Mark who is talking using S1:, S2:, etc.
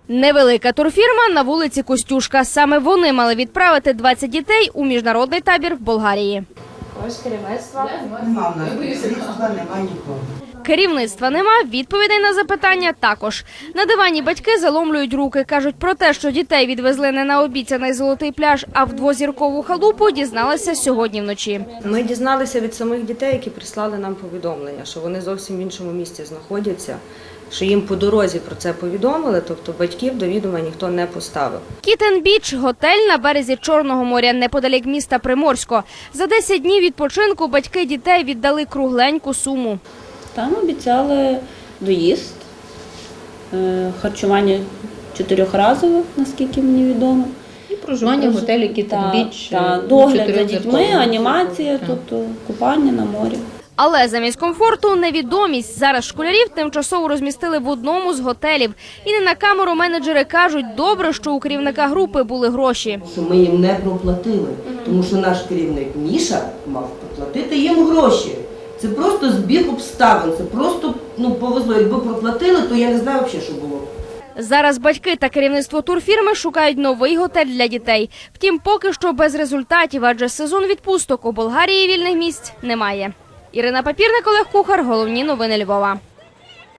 S1: Невелика турфірма на вулиці Костюшка. Саме вони мали відправити 20 дітей у міжнародний табір в Болгарії.
S2: Ось керівництва.
S3: Нема в нас керівництва, нема нікого.
S1: Керівництва нема, відповідей на запитання також. На дивані батьки заломлюють руки. Кажуть про те, що дітей відвезли не на обіцяний Золотий пляж, а в двозіркову халупу, дізналися сьогодні вночі.
S4: Ми дізналися від самих дітей, які прислали нам повідомлення, що вони зовсім в іншому місці знаходяться, що їм по дорозі про це повідомили, тобто батьків до відома ніхто не поставив.
S1: Кітен-Біч – готель на березі Чорного моря, неподалік міста Приморсько. За 10 днів відпочинку батьки дітей віддали кругленьку суму.
S5: Там обіцяли доїзд, харчування 4-разове, наскільки мені відомо.
S2: І проживання в готелі Кітен-Біч.
S5: Догляд за дітьми, анімація, тобто купання на морі.
S1: Але замість комфорту – невідомість. Зараз школярів тимчасово розмістили в одному з готелів. І не на камеру менеджери кажуть, добре, що у керівника групи були гроші.
S3: Що ми їм не проплатили, тому що наш керівник Міша мав проплатити їм гроші. Це просто збіг обставин, це просто повезло. Якби проплатили, то я не знаю взагалі, що було.
S1: Зараз батьки та керівництво турфірми шукають новий готель для дітей. Втім, поки що без результатів, адже сезон відпусток у Болгарії вільних місць немає. Ірина Папірник, Олег Кухар. Головні новини Львова.